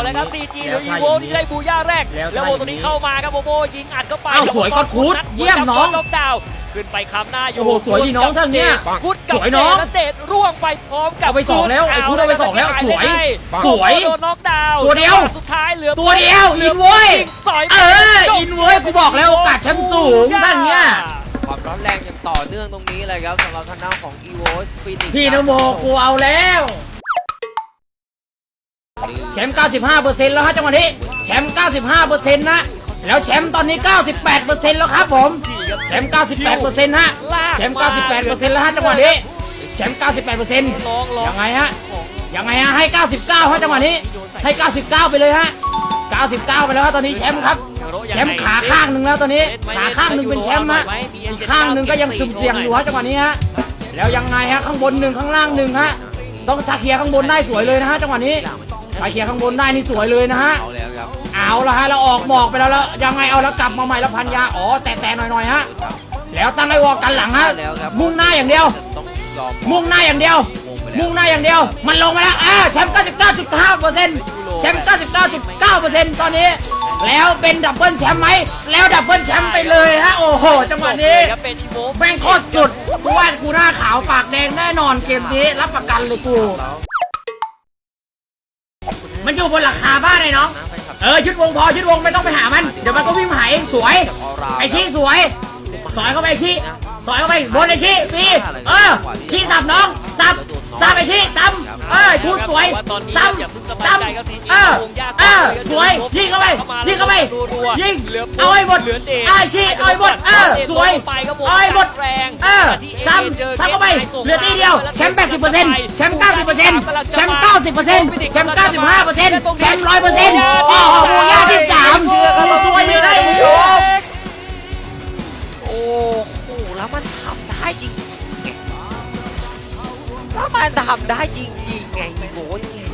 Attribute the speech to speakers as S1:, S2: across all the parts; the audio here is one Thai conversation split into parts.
S1: แล้วครับ CG หรืออีโวที่ได้บูย่าแรกแล้วโบตัวนี้เข้ามาครับโบโบยิงอัดเข้าไป
S2: สวยก็คูดเยี่ยมน้อง
S1: ล็อกดาวน์ขึ้นไปค้ำหน้าอยู่
S2: โอ้โหสวยดีน้องท่านเนี่ยสวยน้อง
S1: เดชร่วงไปพร้อมกับ
S2: เอาไป2แล้วไอ้คูดเอาไป2แล้วสวยสวย
S1: โดนน็อกดาวน์
S2: ตัวเดียว
S1: สุดท้ายเหลือ
S2: ตัวเดียวอินเว้ยอินเว้ยกูบอกแล้วโอกาสแชมป์สูงท่านเนี่ย
S3: ความร้อนแรงอย่างต่อเนื่องตรงนี้เลยครับสำหรับทางด้านของอีโวฟีนิกซ์
S2: พี่นโมกูเอาแล้วแชมป์ 95% แล้วฮะจังหวะนี้แชมป์ 95% นะแล้วแชมป์ตอนนี้ 98% แล้วครับผมแชมป์ 98% ฮะแชมป์ 98% แล้วฮะจังหวะนี้แชมป์ 98% ยังไงฮะให้ 99 ฮะจังหวะนี้ให้ 99 ไปเลยฮะ 99 ไปแล้วฮะตอนนี้แชมป์ครับแชมป์ขาข้างหนึ่งแล้วตอนนี้ขาข้างหนึ่งเป็นแชมป์ฮะอีกข้างหนึ่งก็ยังสุ่มเสี่ยงอยู่ฮะจังหวะนี้ฮะแล้วยังไงฮะข้างบน1ข้างล่าง1ฮะต้องถ้าเคลียร์ข้างบนได้สวยเลยนะฮะจังหวะนี้ถ้าเคลียร์ข้างบนได้นี่สวยเลยนะฮะเอาละฮะเราออกหมอกไปแล้วยังไงเอาแล้วกลับมาใหม่แล้วพันยาแต่หน่อยฮะแล้วตั้งไอ้วอกันหลังฮะมุ่งหน้าอย่างเดียวมุ่งหน้าอย่างเดียวมันลงมาแล้วแชมป์ 99.5% แชมป์ 99.9% ตอนนี้แล้วเป็นดับเบิลแชมป์ไหมแล้วดับเบิลแชมป์ไปเลยฮะโอ้โหจังหวะนี้แม่งโคตรสุดกูว่ากูหน้าขาวปากแดงแน่นอนเกมนี้รับประกันเลยกูมันอยู่บนหลังคาบ้านเลยน้องยึดวงพอยึดวงไม่ต้องไปหามันเดี๋ยวมันก็วิ่งมาหาเองสวยไอชี้สวยสอยเข้าไปชี้สอยเข้าไปบนไอชี้ฟรีชี้สับน้องสับไอชี้ซ้ำพูดสวยซ้ำสวยยิงเข้าไปยิงเอาไอ้หมดชี้เอาไอ้หมดสวยเอาไอ้หมดซ้ำเข้าไปเหลือตีเดียวแชมป์ 80% แชมป์ 90% แชมป์ 90% แชมป์ 95% แชมป์ 100% โอ้โหบูย่าที่3สวยเลย
S3: โอ้โหแล้วมันทำได้จริงไงอีโวไง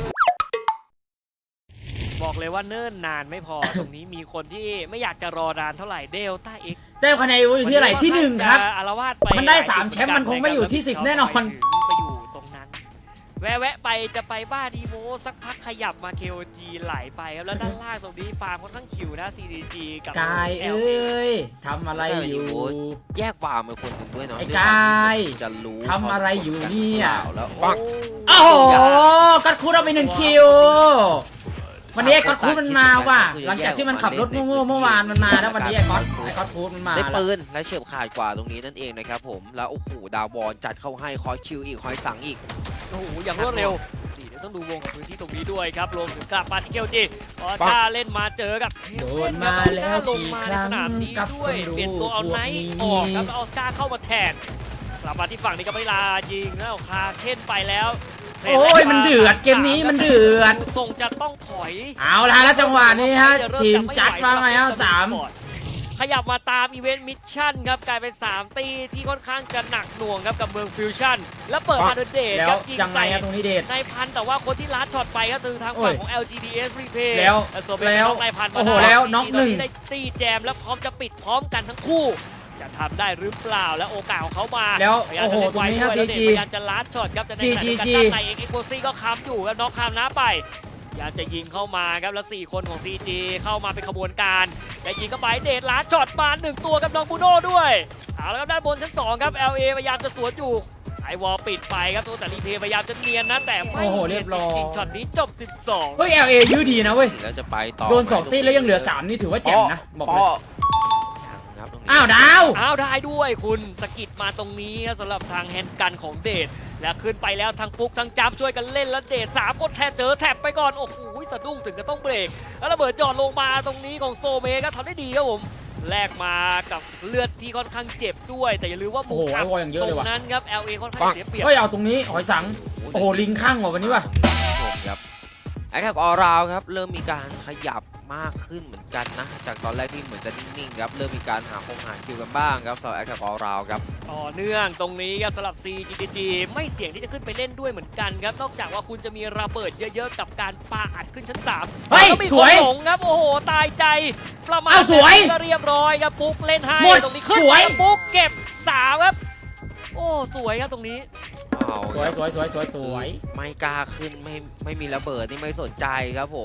S1: บอกเลยว่าเนิ่นนานไม่พอ ตรงนี้มีคนที่ไม่อยากจะรอนานเท่าไหร่เดลต้าเอ็ก
S2: ได้คะแนนอยู่ที่ไหนที่1ครับมันได้3แชมป์มันคงไม่อยู่ที่10แน่นอน
S1: ไปอยู่ตรงนั้นแวะไปจะไปบ้านอีโวสักพักขยับมา KOG ไหลไปครับแล้วด้านล่างตรงนี้ฟาร์มค่อนข้างคิวนะ CDG กับ
S2: กายทำอะไรอยู่
S3: แยกฟาร์มเป็นคนหนึ่งด้วยเนาะ
S2: ไอ้กาย
S3: จะรู้
S2: ทำอะไรอยู่เนี่ย
S3: แล้ว
S2: โอ้โหกัดคูดเอาไป1คิววันนี้ไอ้ก๊อตคูดมันมาว่ะหลังจากที่มันขับรถโง่ๆเมื่อวานมันมาแล้ววันนี้ไอ้ก๊อตคูดมันมา
S3: ได้ปืนและเฉียบขาดกว่าตรงนี้นั่นเองนะครับผมแล้วโอ้โหดาวบอลจัดเข้าให้คอยคิวอีกคอยสั่งอีก
S1: โอ้โหอย่างรวดเร็วเดี๋ยวต้องดูวงพื้นที่ตรงนี้ด้วยครับรวมถึงกลับมาที่เกลจีถ้าเล่นมาเจอกับ
S2: โดนมาแล้ว
S1: ลงมาในสนามนี้ด้วยเปลี่ยนตัวเอาไนท์ออกครับเอาสกาเข้ามาแทนกลับมาที่ฝั่งนี้กับเวลายิงแล้วคาเค้นไปแล้ว
S2: โอ้ยมันเดือดเกมนี้มันเดือด
S1: ส่งจะต้องถอย
S2: เอาละแล้วจังหวะนี้ฮะทีมจัดมาไงฮะ
S1: 3ขยับมาตามอีเวนต์มิชชั่นครับกลายเป็น3ตีที่ค่อนข้างจะหนักหน่วงครับกับเมืองฟิวชั่นแล้วเปิดมาโดยเดชครับยิงใส่
S2: ตรงนี้เดช
S1: ในพันแต่ว่าคนที่ลัดช็อตไปก็คือทางฝั่งของ LGDS Replay
S2: แล้ว
S1: ในพัน
S2: โอ้โหแล้วน็อก1
S1: ได้ตีแจมแล้วพร้อมจะปิดพร้อมกันทั้งคู่จะทำได้หรือเปล่าแล้วโอกาสของเขามา
S2: แล้วโอ้โหตรงนี้ฮะ CG
S1: พยายามจะลัดช็อตครับจะในขณะเดียวกันด้านในเอ็กโคซี่ก็ค้ำอยู่ครับน็อกค้ำน้าไปอยากจะยิงเข้ามาครับแล้ว4คนของ CG เข้ามาเป็นขบวนการแต่ยิงเข้าไปเดชลัดช็อตมา1ตัวกับน้องบูโน่ด้วยเอาแล้วครับด้านบนชั้น2ครับ LA พยายามจะสวนอยู่ไอวอลปิดไปครับตัวแต่รีเพย์พยายามจะเนียนนะแต่ไม่เนียนจริงช็อตนี้จบ12
S2: เฮ้ย LA ยื้อดีนะเว้ย
S3: แล้วจะไปต่อ
S2: โดน2ตีแล้วยังเหลือ3นี่ถือว่าเจ๋งนะบอกเลยอ้าวดาว
S1: ได้ด้วยคุณสกิดมาตรงนี้สำหรับทางแฮนด์กันของเดชและขึ้นไปแล้วทั้งปุ๊กทั้งจับช่วยกันเล่นแล้วเดช3คนแทบเจอแท็บไปก่อนโอ้โหสะดุ้งถึงจะต้องเบรกแล้วระเบิดจอดลงมาตรงนี้ของโซเมก็ทำได้ดีครับผมแลกมากับเลือดที่ค่อนข้างเจ็บด้วยแต่อย่าลืมว่ามุมอับตรงนั้นครับ LA ค่อนข้างเสียเปรียบ
S2: เอาตรงนี้หอยสังโอ้โหลิงข้างว่ะวันนี้ว่ะ
S3: ครับไอ้ครับออราวครับเริ่มมีการขยับมากขึ้นเหมือนกันนะจากตอนแรกที่เหมือนจะนิ่งๆครับเริ่มมีการหาคิวกันบ้างครับสำหรับแอคชั่นออราวครับ
S1: ต่อเนื่องตรงนี้ครับสำหรับ CGG ไม่เสี่ยงที่จะขึ้นไปเล่นด้วยเหมือนกันครับนอกจากว่าคุณจะมีระเบิดเยอะๆกับการปาอัดขึ้นชั้น3
S2: เฮ้ยสวย
S1: ครับโอ้โหตายใจประมาณก็เรียบร้อยครับปุ๊กเล่นให้ตรงนี้ขึ้นปุ๊กเก็บ3ครับโอ้สวยครับตรงนี้
S2: สวย
S3: ไม่กล้าขึ้นไม่มีระเบิดนี่ไม่สนใจครับผม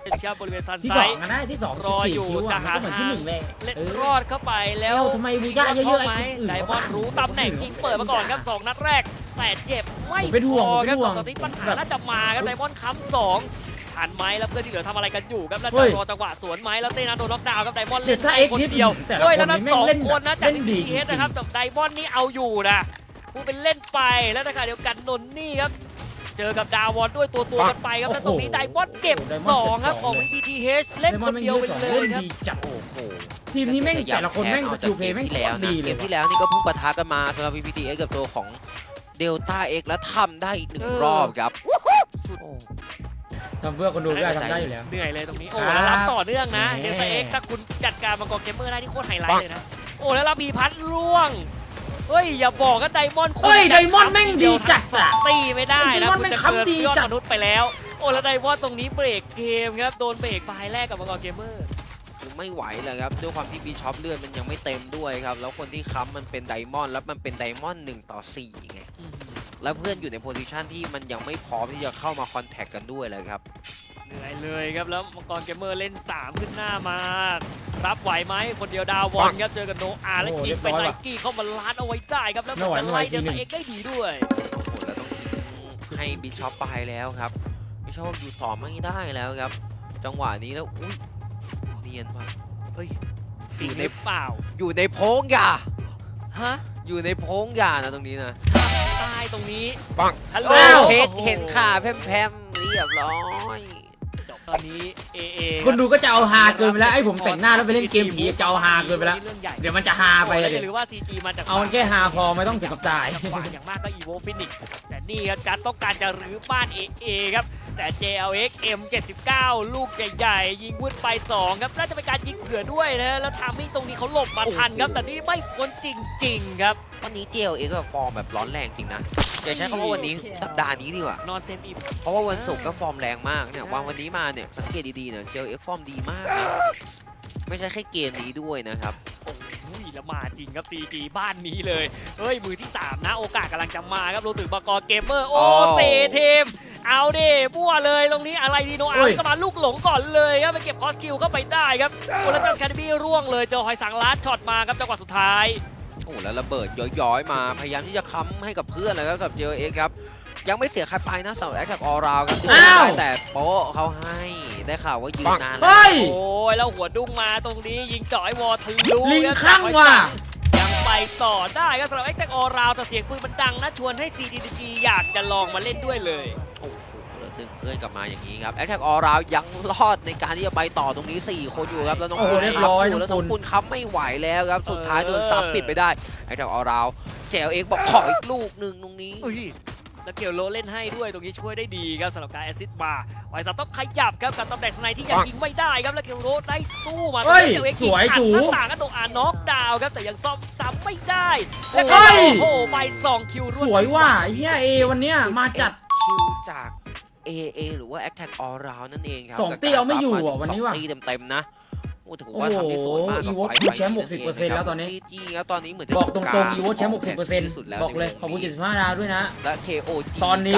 S1: ครับบริเวณซัน
S2: ที่
S1: ไซ
S2: 2
S1: ด์
S2: กันได้ที่2
S1: รออยู่
S2: 14คิว
S1: จะ
S2: อ่ะ
S1: หา
S2: มันก็เหมือนที่1เลย
S1: เล่น
S2: เออ
S1: รอดเข้าไปแล้ว
S2: ทำไมบูย่าเยอะๆไอ้
S1: ไหม
S2: คนอื่น
S1: ไดมอนด์รู้ตำแหน่งยิงเปิดมาก่อนครับ2 นัดแรกแต่เจ็บไม่
S2: เป็นห่วง
S1: พอครับ
S2: เป็นห่วง
S1: ตอนนี้ปัญหาน่าจะมาครับไดมอนด์ค้ำ2ทันไหมแล้วเพื่อนที่เหลือทำอะไรกันอยู่ครับแล้ว
S2: เฮ้
S1: จะ
S2: ย
S1: รอจังหวะสวนไหมแล้วเต้นนะโดนน็อกดาวน์ครับไดมอนด์
S2: เดี๋
S1: เล่
S2: ยวน ถ้าเอ็กซ์
S1: คน
S2: นิด
S1: เดียว
S2: แต่ละ
S1: เฮ้ย
S2: ค
S1: แล้ว
S2: น
S1: นั้น
S2: นี่
S1: สอง
S2: เล่น
S1: คนนะจาก
S2: เล่นดี
S1: ทีเอสนะครับแต่ไดมอนด์นี่เอาอยู่นะพูดเป็นเล่นไปแล้วนะคะเดียวกันนนนี่ครับเจอกับดาวอนด้วยตัวกันไปครับแล้วตรงนี้ไดมอนด์เก็บ2ครับของ VPTH เล่นคนเดียวไปเลยครับ
S2: ดีจัด
S3: โอ้โห
S2: ทีมนี้แม่งแต่ละคนแม่งสกิลเพลย์แม่ง
S3: ที่แล้ว
S2: ดี
S3: นะ
S2: เล
S3: เก
S2: ย
S3: มที่แล้วนี่ก็เพิ่งปะทะกันมาสำหรับ VPTX กับตัวของเดลต้า X แล้วทำได้อีกหนึ่งรอบครับ
S1: สุด
S2: ทำเพื่อคนดูได้ทำได้อยู่แล้ว
S1: เหนื่อยเลยตรงนี้โอ้
S2: ครับ
S1: แล้วรับต่อเนื่องนะ
S2: แหม
S1: เดลต้าเอ็กถ้าคุณจัดการมังกรเกมเมอร์ได้ที่โคตรไฮไลท์เลยนะโอ้แล้วรับบีพัดร่วงเฮ้ยอย่าบอกว่าไดมอนด์
S2: เฮ้ยไดมอนด์แม่งดีจัดอะ
S1: ตีไม่ได้
S2: ได
S1: นะ
S2: มอนด์
S1: คุณ
S2: แม่ง
S1: จะ
S2: ค้ำ
S1: เกิน
S2: ดี
S1: ยอด
S2: จัด
S1: มนุษย์ไปแล้วโอ้แล้วไดมอนด์ตรงนี้เบรกเกมครับโดนเบรกไฟล์แรกกับมังกรเกมเมอร์
S3: คือไม่ไหวเลยครับด้วยความที่บีช็อปเลือดมันยังไม่เต็มด้วยครับแล้วคนที่ค้ำมันเป็นไดมอนด์แล้วมันเป็นไดมอนด์1-4ไงแล้วเพื่อนอยู่ในโพซิชันที่มันยังไม่พร้อมที่จะเข้ามาคอนแทคกันด้วยเลยครับ
S1: เหนื่อยเลยครับแล้วมังกรเกมเมอร์เล่น3ขึ้นหน้ามารับไหวไหมคนเดียวดาวอนครับเจอกับโนอาและ
S2: โอ้
S1: ยิง
S2: เรียบ
S1: เป็น
S2: ร้อย
S1: ไน
S2: ว่ะ
S1: กี้เข้ามาล้านเอาไว้ได้ครับแล้ว
S2: ไม่ไหว
S1: ไล่เดล
S2: ไม่ไหว
S1: ต้าเอ็กได้ดีด้วย
S3: โอ้โหแล้วต้องทิ้งให้บีช็อปไปแล้วครับบีช็อปอยู่ต่อไม่ได้แล้วครับ จังหวะนี้แล้วอุ้ยเนียนว่ะ
S1: จริงหรือเปล่า
S3: อยู่ในโพงยา
S1: ฮะ
S3: อยู่ในโพงยานะตรงนี้นะ
S1: ใต้ตรงนี้
S3: ปัง
S1: ฮัลโหล
S3: โอ้เค้กเห็นขาแพมๆเรียบร้อย
S1: จบตอนนี้เอเอ
S2: คนดูก็จะเอาฮาเกินไปแล้วไอ้ผมแต่งหน้าแล้วไปเล่นเกมผีจะเอาฮาเกินไปแล้ว
S1: เรื่องใหญ่
S2: เดี๋ยวมันจะฮาไปเลย
S1: หรือว่า CG มาจาก
S2: เอามันแค่ฮาพอไม่ต้องถึงกับตาย
S1: จังหวะอย่างมากก็ Evo Phoenix แต่นี่ครับจัดต้องการจะรื้อบ้าน AA ครับแต่ JLX M79 ลูกใหญ่ๆยิงวุ้นไป2ครับน่าจะเป็นการยิงเผื่อด้วยนะแล้วทามมิ่งตรงนี้เขาหลบมาทันครับแต่นี่ไม่พ้นจริงๆครับ
S3: วันนี้ JLX ก็ฟอร์มแบบร้อนแรงจริงนะอย่าใช้คำว่าวันนี้สัปดาห์นี้ดีกว่า
S1: นอนเต็มอิ่ม
S3: เพราะว่าวันศุกร์ก็ฟอร์มแรงมากเนี่ยวันนี้มาเนี่ยสังเกตดีๆเนี่ย JLX ฟอร์มดีมากนะไม่ใช่แค่เกมนี้ด้วยนะครับ
S1: โอ้ยแล้วมาจริงครับ CG บ้านนี้เลยเฮ้ยมือที่3นะโอกาสกำลังจะมาครับรวมถึงบกเกมเมอร์โอ้เซเทมเอาดิมั่วเลยตรงนี้อะไรดีโนอาก็มาลูกหลงก่อนเลยครับไปเก็บคอสคิวเข้าไปได้ครับโอ้แล้วจันแคดบี้ร่วงเลยเจอหอยสังลัดช็อตมาครับจังหวะสุดท้าย
S3: โอ้แล้วระเบิดย้อยๆมาพยายามที่จะค้ำให้กับเพื่อนเลยครับสำหรับ JLX ครับยังไม่เสียใครไปนะสำหรับแอคแท็กออราวครับแต่โป๊ะเขาให้ได้ข่าวว่ายืนนานแล้ว
S2: เฮ้ย
S1: โอ้ยแล้วหัวดุ้งมาตรงนี้ยิงจ่อยวอทะลุ
S2: ลิงข้างว่ะ
S1: ยังไปต่อได้ครับสำหรับแอคแท็กออราวแต่เสียงปืนมันดังนะชวนให้ CDG อยากจะลองมาเล่นด้วยเลย
S3: โอ้โหแล้วดึงเพื่อนกลับมาอย่างนี้ครับแอคแท็กออราวยังรอดในการที่จะไปต่อตรงนี้4คนอยู่ครับแล้วน้อง
S2: โอ้โหเรียบร้อย
S3: แล้ว
S2: น้
S3: น้
S2: อ
S3: อง ง
S2: ปุ
S3: ปุ
S2: ณ
S3: ณค้ำไม่ไหวแล้วครับสุดท้ายโดนซับปิดไปได้แอคแท็กออราวJLXบอกขออีกลูกหนึ่งตรงนี้
S1: อุ้ยแล้วเกียวโลเล่นให้ด้วยตรงนี้ช่วยได้ดีครับสำหรับการแอสซิสต์มาไวซัตต้องขยับครับกับตำแหน่งในที่ยังยิงไม่ได้ครับแล้วเกียวโลได้สู้มา
S2: เฮ้ย
S1: เกียวเอ็กซ์
S2: สวย
S1: ขัด
S2: จู
S1: หน้าต่างก็ตรงน็อกดาวน์ครับแต่ยังซ่อมซ้ำไม่ได้
S2: เฮ้
S1: แล้ว
S2: ย
S1: ก็โอ้โหไป2คิวรวด
S2: สวยว่ะไอ้เฮียเอวันเนี้ยมาจัด
S3: คิวจาก AA หรือว่า Attack All Round นั่นเองครับ
S2: สองตีเอาไม่อยู่อ่ะวันนี้ว่ะ
S3: สองตีเต็มๆนะโอ้ถือว่าทำได้สวยมาก
S2: โอ้โห
S3: กับ
S2: อีโวแชมป์60%แล้วตอนนี้
S3: จีครับตอนนี้เหมือนจะ
S2: บอกตรงๆอีโวแชมป์
S3: ที่สุดแล้ว
S2: 60%บอกเลยขอบคุณ75ดาวด้วยนะ
S3: และ KOG
S2: ตอนนี้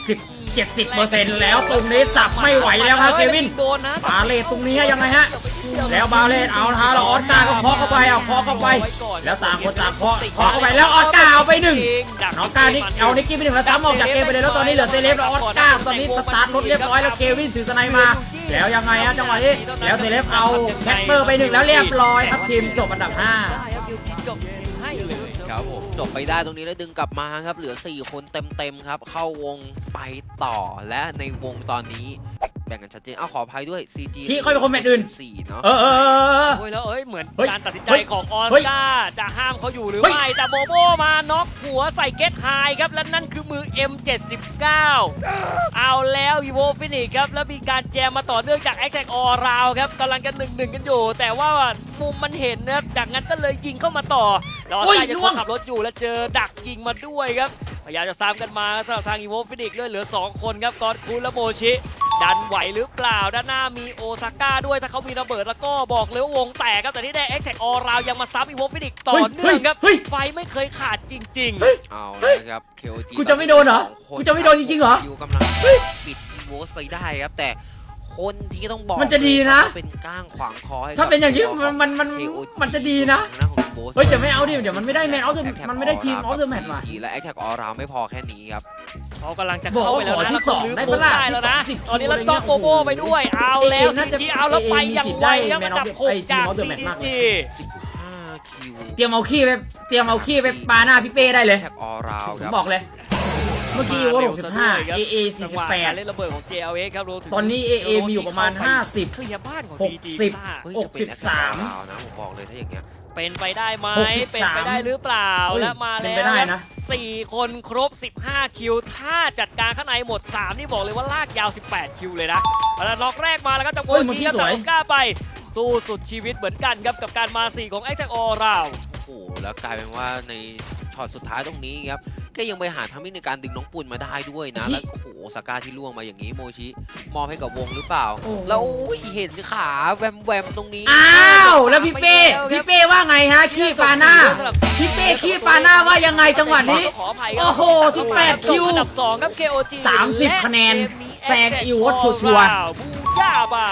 S2: 70% แล้วตรงนี้สับไม่ไหวแล้วครับเควิน
S1: โดนนะ
S2: บาเลตตรงนี้ยังไงฮะ แล้วบาเลตเอาละฮะแล้วออสการ์ก็เคาะเข้าไปเอาเคาะเข้าไป แล้วต่างคนต่างเคาะเข้าไปแล้วออสการ์เอาไปหนึ่งน้องการนี่เอานิกกี้ไปหนึ่งแล้วซ้ำออกจากเกมไปเลยแล้วตอนนี้เหลือเซเลฟแล้วออสการ์ตอนนี้สตาร์ทรถเรียบร้อยแล้วเควินถือสไนมา แล้วยังไงฮะจังหวะนี้แล้วเซเลฟเอาแคปเปอร์ไปหนึ่งแล้วเรียบร้อยครับทีมจบอันดับ
S1: ได้ครับคิวจีจบให้เลย
S3: ครับผมจบไปได้ตรงนี้แล้วดึงกลับมาครับเหลือ4คนเต็มๆครับเข้าวงไปต่อและในวงตอนนี้แบ่งกันชัดเจนขออภัยด้วย CG
S2: ชี้ค่อยเป็นคนแมตช์อื่น
S3: 4เนาะ
S2: 5เออ
S1: โอ้ยแล้วเหมือน
S2: เฮ้ย
S1: การตัดสินใจ
S2: เฮ้ย
S1: ของออส
S2: เฮ้ย
S1: การ์จะห้ามเขาอยู่หรือ
S2: เฮ้ย
S1: ไม่แต่โบโบมาน็อกหัวใส่เกตไฮครับและนั่นคือมือ M79 เอาแล้วอีโวฟินิกครับแล้วมีการแจมมาต่อเนื่องจากแอคแท็กออราวครับกำลังกัน1-1กันอยู่ แต่ว่ามุมมันเห็นนะครับจากนั้นก็เลยยิงเข้ามาต่อแล้วออสการ์ยังคงขับรถอยู่แล้วเจอดักยิงมาด้วยครับพยายามจะซ้ำกันมาสำหรับทางอีโวฟินิกเหลือ2คนครับกอนคูและโมชิดันไหวหรือเปล่าด้านหน้ามีโอซาก้าด้วยถ้าเขามีระเบิดแล้วก็บอกเลยว่าวงแตกครับแต่ที่ได้แอคแท็กออราวยังมาซ้ำอีโวฟินิกต่อเนื่องครับ
S2: เฮ้ย
S1: ไฟไม่เคยขาดจริง
S3: เอาเลยครับ KOG
S2: กูจะไม่โดนเหรอ
S3: สองคน
S2: กูจะไม่โดนจริงๆเหรอ
S3: คิวกำลังปิดอีโวสไปได้ครับแต่โคคนที่ต้องบอก
S2: มันจะดีนะ
S3: เป็นก้างขวางคอให้
S2: ถ้าเป็นอย่างนี้
S3: กับ
S2: มันจะดีนะ
S3: ทางด้าของโบส
S2: เฮ้ยจะไม่เอาดิเดี๋ยวมันไม่ได้แมนเอามันไม่ได้ทีมเอาเดอะแมตช์ว่ะ
S3: และแอคแท็กออราวไม่พอแค่นี้ครับ
S1: เขากำลังจะเข้าไปแล้ว
S2: บอกว่า
S1: นะ
S2: ขอที่
S1: แล้วก็
S2: สอง
S1: ลื้อ
S2: ได้
S1: โบ
S2: ปะล่ะ
S1: ได้แล้วนะ
S2: ที่
S1: ตอนนี้แล้ว
S2: 10
S1: ก็โกโบไปด้วยเอาแล้ว
S2: น่าจะ
S1: ทีเอาแล้วไปอย่างไวครับ
S2: มี
S1: อันดับ
S2: สิทธิ์
S1: หก
S2: ได้
S1: จาก
S2: Man of the
S1: ซี
S2: Match มากเล
S1: จี
S2: ย
S3: 5 คิว
S2: เตรียมเอาขี้ไปปาหน้าพี่เป้ได้เลย
S3: แท็กออราว
S2: ผม
S3: ครับ
S2: บอกเลย เมื่อกี้อีโว65 AA
S1: จังหวะการเล่น
S2: 48
S1: ระเบิดของ JLX ครับรวมถึง
S2: ตอนนี้ AA มีอยู่ประมาณ 50
S1: เคลียร์บ้านของ CG
S2: 60
S1: บ้า
S3: เฮ้ยจะเป็น
S2: 63
S3: Attack on Round นะผมบอกเลยถ้าอย่างเงี้ย
S1: เป็นไปได้ไหม
S2: 63
S1: เป็นไปได้หรือเปล่า
S2: เฮ้ย
S1: และมา
S2: เป็น
S1: แล้ว
S2: ไปได้นะ
S1: 4 คนครบ 15 คิว ถ้าจัดการข้างในหมด 3 นี่บอกเลยว่าลากยาว 18 คิวเลยนะแล้วน็อกแรกมาแล้วก็จะโบ
S2: เฮ้ย
S1: น
S2: มัน
S1: ที
S2: ที่
S1: ครับ
S2: สวย
S1: จากกล้าไป สู้สุดชีวิตเหมือนกันครับกับการมา 4 ของ Attack All Round
S3: โอ้โหแล้วกลายเป็นว่าในช็อตสุดท้ายตรงนี้ครับก็ยังไปหาทำให้ในการดึงน้องปุ่นมาได้ด้วยนะ แล้วโอ้โหสกาที่ล่วงมาอย่างนี้โมชิมอบให้กับวงหรือเปล่า
S2: โอ้โห
S3: แล้วโอ้ยเห็นขาแวมๆตรงนี้
S2: อ้าวแล้วพี่เป้ว่าไงฮะขี้ปาหน้า พี่เป้ขี้ปาหน้าว่ายังไงจังหวะนี้
S1: ขออภัยครับ
S2: โอ้โห18คิว
S1: อันดับ 2 ครับ KOG
S2: 30คะแนน
S1: และเกมนี้
S2: แซงอีวอตชัวร์
S1: บูย่าไป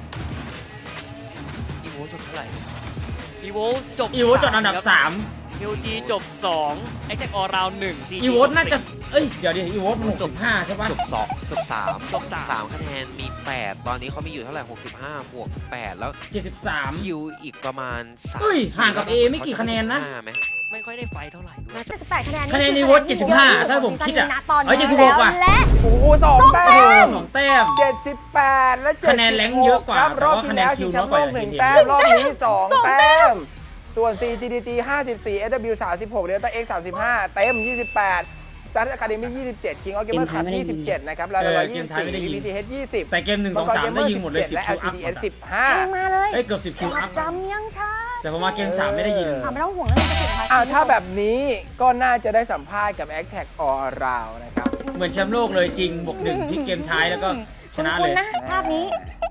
S3: อีโวจบเท่าไหร่
S1: อีโวจบ
S2: อีโวจดอันดับ
S1: KOG จบ 2 Attack All Round 1
S2: 3 อีโวน่าจะเอ้ยเดี๋ยวดิอีโวมัน65ใช่ปะ
S3: จบ2จบ3
S1: จบ3
S3: 3คะแนนมี 8 ตอนนี้เขามีอยู่เท่าไหร่ 65 บวก 8 แล้ว
S2: 73
S3: คิวอีกประมาณ3
S2: เฮ้ยห่างกับ A ไม่กี่คะแนนนะ
S3: ไหม
S1: ไม่ค่อยได้ไฟเท่าไหร่ด้วย
S4: 78คะแนน
S2: คะแนนในวอต75ถ้าผมคิดอะ
S4: ตอน
S2: เฮ้ย
S4: นี้
S2: 76ว่ะ
S4: และ
S5: โอ้โหสองแต้
S2: โอ้โห
S5: ม
S2: 2 แต้ม
S5: 78 และ
S2: คะแนนแรงค์เยอะกว่า
S5: ครับ
S2: แต่
S5: รอบ
S2: ว่า
S5: ที่
S2: คะแนน
S5: แล้ว
S2: คิ
S5: ชิ
S2: ว
S5: งแชมป์โลก
S2: น้อยกว่า
S5: 1 แต้ม รอบนี้ 2 แต้ม ส่วน CGDG 54 SW 36 Delta X 35 เต็ม 28 Sun Academy 27 King of Gamer Club 27 นะครับ แล้ว
S2: เกมท้ายไม่ได้ยิง
S5: VTH 20
S2: แต่เกม1 2 3ได้ยิงหมดเลย 10
S5: และ
S2: คิวอัพ
S5: LGDS
S4: เองมาเลย
S2: เอ้ยเกือบ10คิวอัพ
S4: จำยังช้า
S2: แต่พอมาเกม3ไม่ได้ยิง
S4: ไม่ต้องห่วงเรื่องกระสุนนะคะ
S5: 15ถ้าแบบนี้ก็น่าจะได้สัมภาษณ์กับ Attack All Round นะครับ
S2: เหมือนแชมป์โลกเลยจริงบวก1พลิกเกมท้ายแล้วก็ชนะเลย
S4: คุณนะภาพนี้